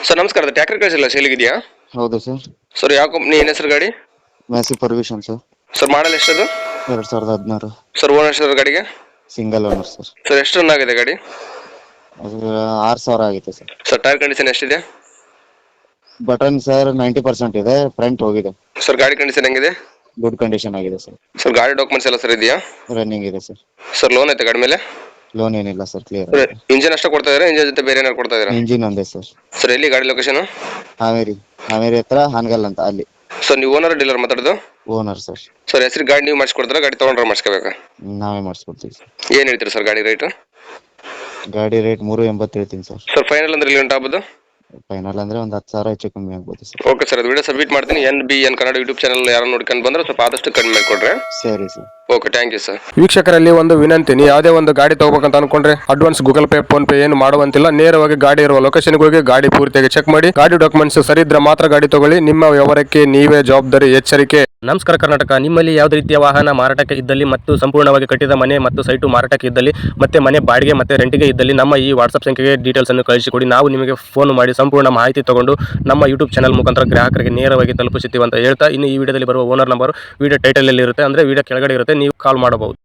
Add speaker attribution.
Speaker 1: Sir ನಮಸ್ಕಾರ, tractor ಕಳಿಸಿಲ್ಲ ಸೇಲಿಗಿದೆಯಾ?
Speaker 2: ಹೌದು sir.
Speaker 1: Sir ಯಾವ ಕಂಪ್ನಿ, ಏನು ಹೆಸರು ಗಾಡಿ?
Speaker 2: Massey Ferguson sir.
Speaker 1: Sir model ಎಷ್ಟದು?
Speaker 2: 2016.
Speaker 1: ಸರ್ ಓನರ್ ಸರ್ ಗಾಡಿಗೆ?
Speaker 2: Single owner sir.
Speaker 1: ಸರ್ ಎಷ್ಟು ರನ್ ಆಗಿದೆ ಗಾಡಿ?
Speaker 2: ಅದು 6,000 ಆಗಿದೆ ಸರ್.
Speaker 1: ಸರ್ ಟೈರ್ ಕಂಡೀಷನ್ ಎಷ್ಟಿದೆ?
Speaker 2: ಬಟನ್ ಸರ್ 90% ಇದೆ, ಫ್ರಂಟ್ ಹೋಗಿದೆ.
Speaker 1: ಸರ್ ಗಾಡಿ ಕಂಡೀಷನ್ ಹೆಂಗಿದೆ?
Speaker 2: ಗುಡ್ ಕಂಡೀಷನ್ ಆಗಿದೆ ಸರ್.
Speaker 1: ಸರ್ ಗಾಡಿ ಡಾಕ್ಯುಮೆಂಟ್ಸ್ ಎಲ್ಲ ಸರ್ ಇದೆಯಾ?
Speaker 2: ರನ್ನಿಂಗ್ ಇದೆ ಸರ್.
Speaker 1: ಸರ್ ಲೋನ್ ಐತೆ ಗಾಡಿ ಮೇಲೆ?
Speaker 2: ಲೋನ್ ಏನಿಲ್ಲ ಸರ್, ಕ್ಲಿಯರ್
Speaker 1: ಸರ್
Speaker 2: ಆಗಿದೆ.
Speaker 1: ಇಂಜಿನ್ ಅಷ್ಟೇ ಕೊಡ್ತಾ ಇದ್ದೀರಾ, ಇಂಜಿನ್ ಜೊತೆ ಬೇರೆ ಏನಾರು ಕೊಡ್ತಾ ಇದ್ದೀರಾ?
Speaker 2: ಇಂಜಿನ್ ಒಂದೇ ಸರ್.
Speaker 1: ಸರ್ ಎಲ್ಲಿ ಗಾಡಿ ಲೊಕೇಶನ್?
Speaker 2: ಹಾವೇರಿ ಹತ್ರ ಹಾನಗಲ್ ಅಂತ ಅಲ್ಲಿ.
Speaker 1: ಸರ್ ನೀವು ಓನರ್ ಡೀಲರ್ ಮಾತಾಡೋದು?
Speaker 2: Owner sir.
Speaker 1: ಸರ್ ಹೆಸರು ಗಾಡಿ ನೀವು ಮಾಡಿಸ್ಕೊಡ್ತೀರಾ, ಗಾಡಿ ತೊಗೊಂಡ್ರೆ ಮಾಡಿಸ್ಕೋಬೇಕಾ?
Speaker 2: ನಾವೇ ಮಾಡಿಸ್ಕೊಡ್ತೀವಿ ಸರ್.
Speaker 1: ಏನು ಹೇಳ್ತೀರಿ ಸರ್ ಗಾಡಿ ರೇಟು?
Speaker 2: ಗಾಡಿ ರೇಟ್ 380 ಹೇಳ್ತೀನಿ ಸರ್.
Speaker 1: ಸರ್ ಫೈನಲ್ ಅಂದ್ರೆ ಇಲ್ಲಿ ಗಂಟೆ ಆಗ್ಬೋದು?
Speaker 2: ಫೈನಲ್ ಅಂದ್ರೆ ಒಂದು 10,000 ಹೆಚ್ಚು ಕಮ್ಮಿ ಆಗ್ಬೋದು ಸರ್.
Speaker 1: ಓಕೆ ಸರ್, ಅದು ವಿಡಿಯೋ ಸಬ್ಮಿಟ್ ಮಾಡ್ತೀನಿ. NBN ಕನ್ನಡ ಯೂಟ್ಯೂಬ್ ಚಾನಲ್ ಯಾರು ನೋಡ್ಕೊಂಡು ಬಂದ್ರೆ ಸ್ವಲ್ಪ ಆದಷ್ಟು ಕಡಿಮೆ ಮಾಡಿಕೊಡ್ರೆ.
Speaker 2: ಸರಿ sir.
Speaker 1: Okay, thank you sir.
Speaker 3: ವೀಕ್ಷಕರಲ್ಲಿ ಒಂದು ವಿನಂತಿ, ನೀವು ಯಾವುದೇ ಒಂದು ಗಾಡಿ ತಗೋಬೇಕಂತ ಅನ್ಕೊಂಡ್ರೆ advance Google Pay PhonePe ಏನು ಮಾಡುವಂತಿಲ್ಲ. ನೇರವಾಗಿ ಗಾಡಿ ಇರುವ ಲೊಕೇಶನ್ಗೆ ಹೋಗಿ ಗಾಡಿ ಪೂರ್ತಿಯಾಗಿ ಚೆಕ್ ಮಾಡಿ, ಗಾಡಿ ಡಾಕ್ಯುಮೆಂಟ್ಸ್ ಸರಿ ಇದ್ರೆ ಮಾತ್ರ ಗಾಡಿ ತಗೊಳ್ಳಿ. ನಿಮ್ಮ ವ್ಯವಹಾರಕ್ಕೆ ನೀವೇ ಜವಾಬ್ದಾರಿ. ಎಚ್ಚರಿಕೆ.
Speaker 4: ನಮಸ್ಕಾರ ಕರ್ನಾಟಕ. ನಿಮ್ಮಲ್ಲಿ ಯಾವುದೇ ರೀತಿಯ ವಾಹನ ಮಾರಾಟಕ್ಕೆ ಇದ್ದಲ್ಲಿ ಮತ್ತು ಸಂಪೂರ್ಣವಾಗಿ ಕಟ್ಟಿದ ಮನೆ ಮತ್ತು ಸೈಟು ಮಾರಾಟಕ್ಕೆ ಇದ್ದಲ್ಲಿ ಮತ್ತೆ ಮನೆ ಬಾಡಿಗೆ ಮತ್ತು ರೆಂಟಿಗೆ ಇದ್ದಲ್ಲಿ ನಮ್ಮ ಈ ವಾಟ್ಸಪ್ ಸಂಖ್ಯೆಗೆ ಡೀಟೇಲ್ಸ್ ಅನ್ನು ಕಳಿಸಿಕೊಡಿ. ನಾವು ನಿಮಗೆ ಫೋನ್ ಮಾಡಿ ಸಂಪೂರ್ಣ ಮಾಹಿತಿ ತಗೊಂಡು ನಮ್ಮ ಯೂಟ್ಯೂಬ್ ಚಾನಲ್ ಮುಖಾಂತರ ಗ್ರಾಹಕರಿಗೆ ನೇರವಾಗಿ ತಲುಪಿಸುತ್ತೀವಿ ಅಂತ ಹೇಳ್ತಾ, ಇನ್ನು ಈ ವಿಡಿಯೋದಲ್ಲಿ ಬರುವ ಓನರ್ ನಂಬರ್ ವಿಡಿಯೋ ಟೈಟಲ್ ಅಲ್ಲಿ ಇರುತ್ತೆ, ಅಂದ್ರೆ ವಿಡಿಯೋ ಕೆಳಗಡೆ ಇರುತ್ತೆ, ನೀವು ಕಾಲ್ ಮಾಡಬಹುದು.